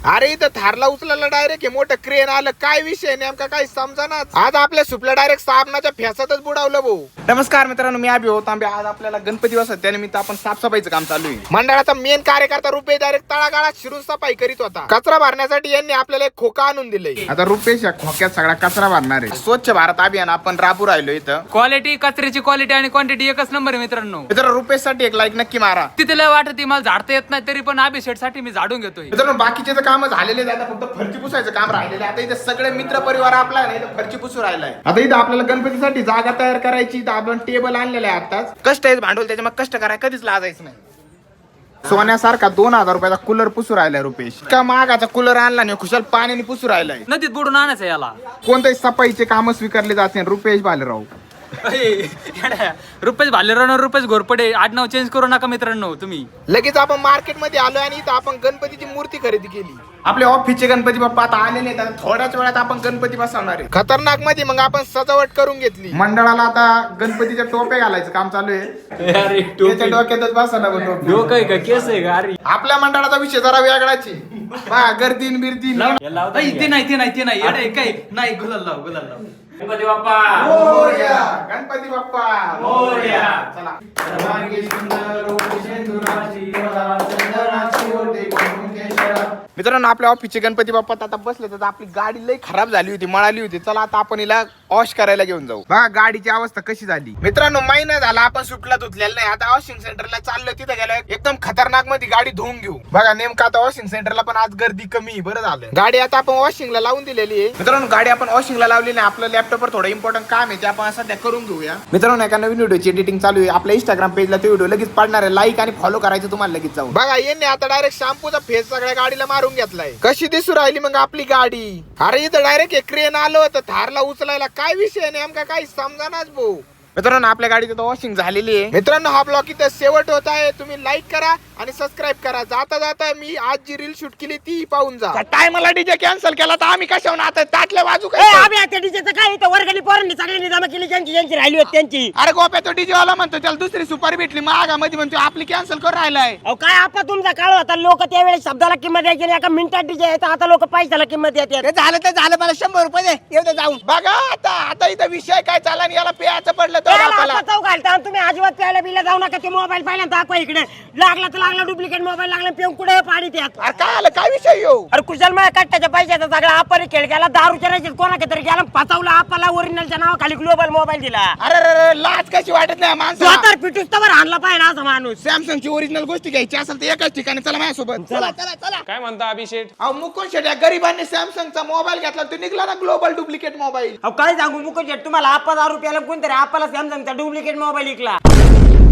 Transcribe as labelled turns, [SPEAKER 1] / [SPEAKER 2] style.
[SPEAKER 1] अरे इथं थारला उचलायला डायरेक्ट मोठं क्रेन आलं. काय विषय नेमका काही समजाना. आज आपल्या सुपल्या डायरेक्ट साबणाच्या फेसातच बुडावलं भाऊ. नमस्कार मित्रांनो, मी अभि तांबे. आज आपल्याला गणपती बसत त्यानिमित्त आपण साफसफाईचं काम चालू आहे. मंडळाचा मेन कार्यकर्ता रुपेश डायरेक्ट तळागाळात शिरून सफाई करीत होता. कचरा भरण्यासाठी यांनी आपल्याला एक खोका आणून दिले. आता रुपेश या खोक्यात सगळा कचरा भरणार आहे. स्वच्छ भारत अभियान आपण राबू राहिलो इथं.
[SPEAKER 2] क्वालिटी, कचऱ्याची क्वालिटी आणि क्वांटिटी एकच नंबर आहे मित्रांनो.
[SPEAKER 1] मित्रांनो रुपेश साठी एक लाईक नक्की मारा.
[SPEAKER 2] तिथे लय वाटत मला झाडता येत नाही, तरी पण अभिषेक साठी मी झाडून घेतोय.
[SPEAKER 1] मित्रांनो बाकीचे तर काम झालेले आहेत, फक्त फरची पुसायचं काम राहिलेलं आहे. आता इथे सगळे मित्र परिवार आपला आहे ना, इथं फरची पुसू राहिलाय. आता इथं आपल्याला गणपतीसाठी जागा तयार करायची. तर आपण टेबल आणलेलं आहे आताच. कष्ट आहे भांडवल, त्याच्या मग कष्ट करायला कधीच लाजायचं नाही. सोन्यासारखा 2000 रुपयाचा कूलर पुसू राहिलाय रुपेश. का महागाचा कूलर आणला नाही, खुशाल पाण्याने पुसू राहिलाय.
[SPEAKER 2] नदीत बुडून आणायचं याला.
[SPEAKER 1] कोणत्याही सफाईचे काम स्वीकारले जाते. रुपेश बालेराव
[SPEAKER 2] रुपेश भालेराव, रुपेश घोरपडे आडनाव चेंज करू नका मित्रांनो तुम्ही.
[SPEAKER 1] लगेच आपण मार्केट मध्ये आलो आणि इथं आपण गणपतीची मूर्ती खरेदी केली. आपले ऑफिसचे गणपती बाप्पा आता आलेले आहेत. थोड्याच वेळात आपण गणपती बसवणार आहे. खतरनाक मध्ये मग आपण सजावट करून घेतली. मंडळाला आता गणपतीच्या टोप्या घालायचं काम चालू आहे.
[SPEAKER 2] अरे
[SPEAKER 1] त्याच्या डोक्यातच बसवणार टोपी.
[SPEAKER 2] डोकं आहे का, केस आहे का? अरे
[SPEAKER 1] आपल्या मंडळाचा विषय जरा वेगळाच आहे. गर्दीन बिर्दी
[SPEAKER 2] ते नाही अरे काय नाही. गुलाल लाव, गुलाल लाव. गणपती बाप्पा
[SPEAKER 1] मोरया, गणपती बाप्पा
[SPEAKER 2] मोरया.
[SPEAKER 1] चला. मित्रांनो आपल्या ऑफिसचे गणपती बाप्पा आता बसले. तर आपली गाडी लई खराब झाली होती, मळाली होती. चला आता आपण हिला वॉश करायला घेऊन जाऊ. बघा गाडीची अवस्था कशी झाली. मित्रांनो महिना झाला आपण सुटला धुतलेला नाही. आता वॉशिंग सेंटरला चाललो. तिथे गेलो एकदम खतरनाक मध्ये गाडी धुवून घेऊ. बघा नेमका आता वॉशिंग सेंटरला पण आज गर्दी कमी. बरं झालं गाडी आता आपण वॉशिंगला लावून दिलेली आहे. मित्रांनो गाडी आपण वॉशिंगला लावली नाही. आपलं लॅपटॉपवर थोडं इम्पॉर्टंट काम आहे ते आपण सध्या करून घेऊया. मित्रांनो एका नवीन व्हिडिओची एडिटिंग चालू आहे. आपल्या इंस्टाग्राम पेजला ते व्हिडिओ लगेच पडणार आहे. लाईक आणि फॉलो करायचं तुम्हाला लगेच जाऊन. बघा यांनी आता डायरेक्ट शॅम्पूचा फेस सगळ्या गाडीला मारून घेतलाय. कशी दिसू राहिली मग आपली गाडी. अरे इथं डायरेक्ट एक क्रेन आलं होतं थारला उचलायला. काय विषय नेमका काही समजानाच भाऊ. मित्रांनो आपल्या गाडीची तर वॉशिंग झालेली आहे. मित्रांनो हा ब्लॉग इथं शेवट होत आहे. तुम्ही लाईक करा आणि सबस्क्राईब करा. जाता जाता मी आज जी रील शूट केली ती पाहून जा. टायमाला डीजे कॅन्सल केला तर आम्ही कशावर आता ताटल्या बाजू काय.
[SPEAKER 3] आम्ही डीजेचं काय इथं वर्गणी पोरांनी सगळ्यांनी जमा केली. ज्यांची राहिली होती त्यांची.
[SPEAKER 1] अरे गोप्या तो डीजे वाला म्हणतो त्याला दुसरी सुपारी भेटली महागामध्ये म्हणतो आपली कॅन्सल करून राहिलाय.
[SPEAKER 3] अहो काय आपा तुमचा काळ होता. लोक त्यावेळेस शब्दाला किंमत द्यायची नाही. एका मिनिटात डीजे येतात. आता लोक पैशाला किंमत देतात.
[SPEAKER 1] झालं तर झालं, मला 100 रुपये दे येऊ जाऊन. बघा आता इथं विषय काय चालला आणि याला पेयाचं पडलं तर
[SPEAKER 3] घालता तुम्ही अजिबात प्यायला बिला जाऊ नका. ते मोबाईल पाहिला दाखवा इकडे. लागला तर लागला डुप्लिकेट मोबाईल लागला पिऊन कुठे पाणी त्यात.
[SPEAKER 1] अरे काय आलं काय विषय येऊ.
[SPEAKER 3] अरे कुशल माझ्या कट्ट्याच्या पैशाचा सगळा आपरी खेळ गेला. दारूच्या राहायचे कोणाकडे तरी गेला फसवला. आपला ओरिजिनलच्या नावाखाली ग्लोबल मोबाईल दिला.
[SPEAKER 1] अरे लाज कशी वाटत नाही माणसं.
[SPEAKER 3] स्वतः पिटूस तर आणला पाहिजे असा माणूस.
[SPEAKER 1] सॅमसंगची ओरिजिनल गोष्टी घ्यायची असेल तर एकाच ठिकाणी चला माझ्यासोबत. चला चला चला.
[SPEAKER 2] काय म्हणता अभिषेक?
[SPEAKER 1] अहो मुकुंद शेट या गरीबांनी सॅमसंगचा मोबाईल घेतला तो निघला ना ग्लोबल डुप्लिकेट मोबाईल.
[SPEAKER 3] अहो काय सांगू मुकुंद शेट तुम्हाला 5000 रुपयाला कोणतरी आपला सॅमसंगचा डुप्लिकेट मोबाईल विकला.